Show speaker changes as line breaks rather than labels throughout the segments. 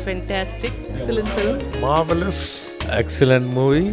fantastic.
Excellent film.
Marvelous.
Excellent movie.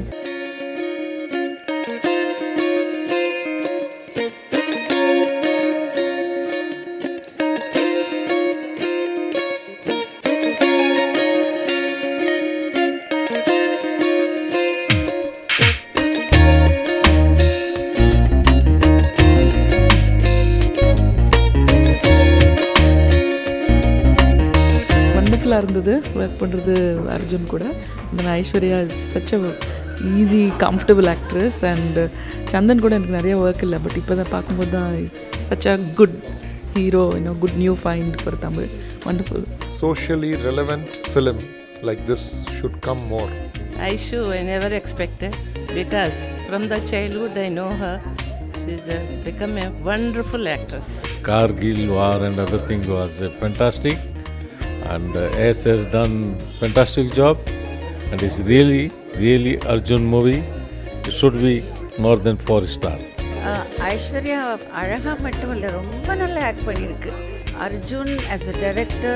Wonderful இருந்தது work பண்ணுறது அர்ஜுன் கூட. Then Aishwarya is such a easy comfortable actress. And Chandan கூட எனக்கு நிறைய ஒர்க் இல்லை, பட் இப்போ தான் பார்க்கும்போது தான் is such a good hero, good new find for Tamil. Wonderful.
Socially relevant film like this should come more.
Aishu, I never expected, because from the childhood I know her. She's become a wonderful actress.
Kargil war and other thing was fantastic, and S has done fantastic job, and it's really Arjun movie. It should be more than 4 star.
Aishwarya அழகாக மட்டும் இல்லை, ரொம்ப நல்லா act பண்ணியிருக்கு. Arjun as a director,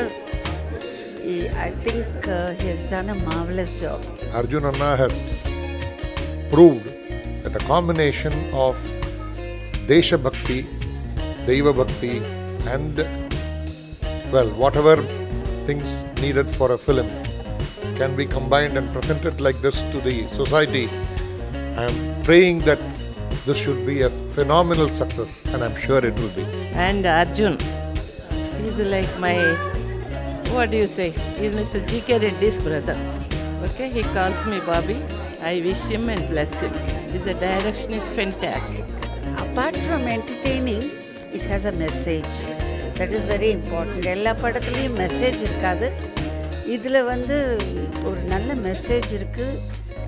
I think he has done a marvelous job.
Arjun Anna has proved that a combination of Desha Bhakti, Deiva Bhakti, and whatever things needed for a film can be combined and presented like this to the society. I am praying that this should be a phenomenal success, and I am sure it will be.
And Arjun, he's like my, what do you say? He's Mr. G.K. Reddy's brother. Okay, he calls me Bobby. I wish him and bless him. His direction is fantastic.
Apart from entertaining, it has a message. That is very important. எல்லா படத்துலேயும் message இருக்காது, இதில் ஒரு நல்ல message இருக்குது.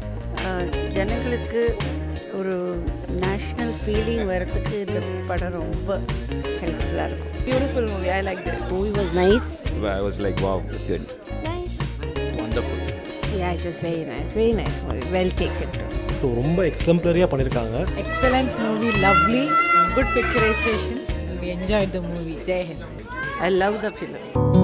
ஜனங்களுக்கு ஒரு national feeling வரத்துக்கு இந்த படம் ரொம்ப ஹெல்ப்ஃபுல்லாக இருக்கும்.
Beautiful movie. I liked it.
Movie was nice.
I was like, wow, it's good.
Nice.
Wonderful.
Yeah, it was very nice. Very nice movie. Well taken.
So ரொம்ப எக்ஸம்ப்ளரியாக பண்ணியிருக்காங்க.
Excellent movie, lovely, good picturization. We enjoyed the movie. Jai Hind.
I love the film.